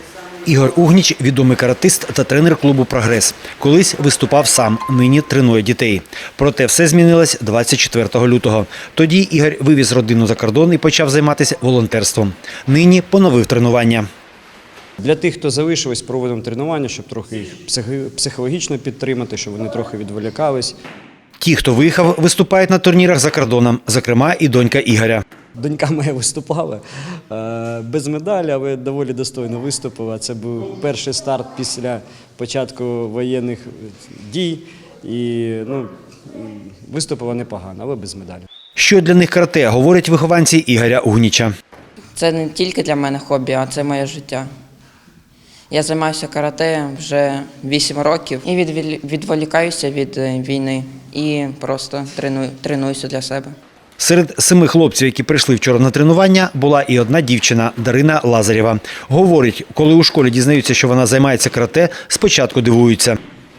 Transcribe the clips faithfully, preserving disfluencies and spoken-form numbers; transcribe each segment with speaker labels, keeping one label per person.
Speaker 1: Ігор Угніч – відомий каратист та тренер клубу «Прогрес». Колись виступав сам, нині тренує дітей. Проте все змінилось двадцять четвертого лютого. Тоді Ігор вивіз родину за кордон і почав займатися волонтерством. Нині поновив тренування.
Speaker 2: Для тих, хто залишились, проводимо тренування, щоб трохи їх психологічно підтримати, щоб вони трохи відволікались.
Speaker 1: Ті, хто виїхав, виступають на турнірах за кордоном, зокрема і донька Ігоря.
Speaker 2: Донька моя виступала е, без медалі, але доволі достойно виступила. Це був перший старт після початку воєнних дій. І ну, виступила непогано, але без медалі.
Speaker 1: Що для них карате, говорять вихованці Ігоря Угніча.
Speaker 3: Це не тільки для мене хобі, а це моє життя. Я займаюся карате вже вісім років і відволікаюся від війни і просто треную, тренуюся для себе.
Speaker 1: Серед семи хлопців, які прийшли вчора на тренування, була і одна дівчина – Дарина Лазарєва. Говорить, коли у школі дізнаються, що вона займається карате, спочатку дивуються.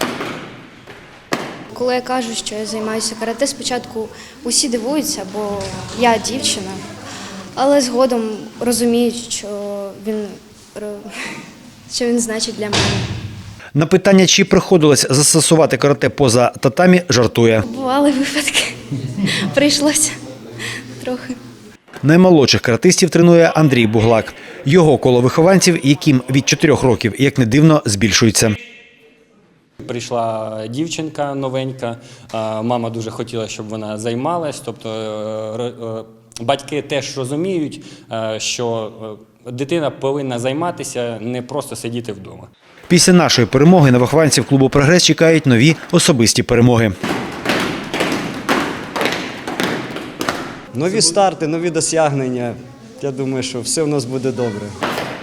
Speaker 4: Коли я кажу, що я займаюся карате, спочатку усі дивуються, бо я дівчина, але згодом розуміють, що він, що він значить для мене.
Speaker 1: На питання, чи приходилось застосувати карате поза татамі, жартує.
Speaker 4: Бували випадки, прийшлося трохи.
Speaker 1: Наймолодших каратистів тренує Андрій Буглак. Його коло вихованців, яким від чотирьох років, як не дивно, збільшується.
Speaker 5: Прийшла дівчинка новенька, мама дуже хотіла, щоб вона займалась, тобто батьки теж розуміють, що дитина повинна займатися, не просто сидіти вдома.
Speaker 1: Після нашої перемоги на вихованців клубу «Прогрес» чекають нові особисті перемоги.
Speaker 2: Нові старти, нові досягнення. Я думаю, що все у нас буде добре.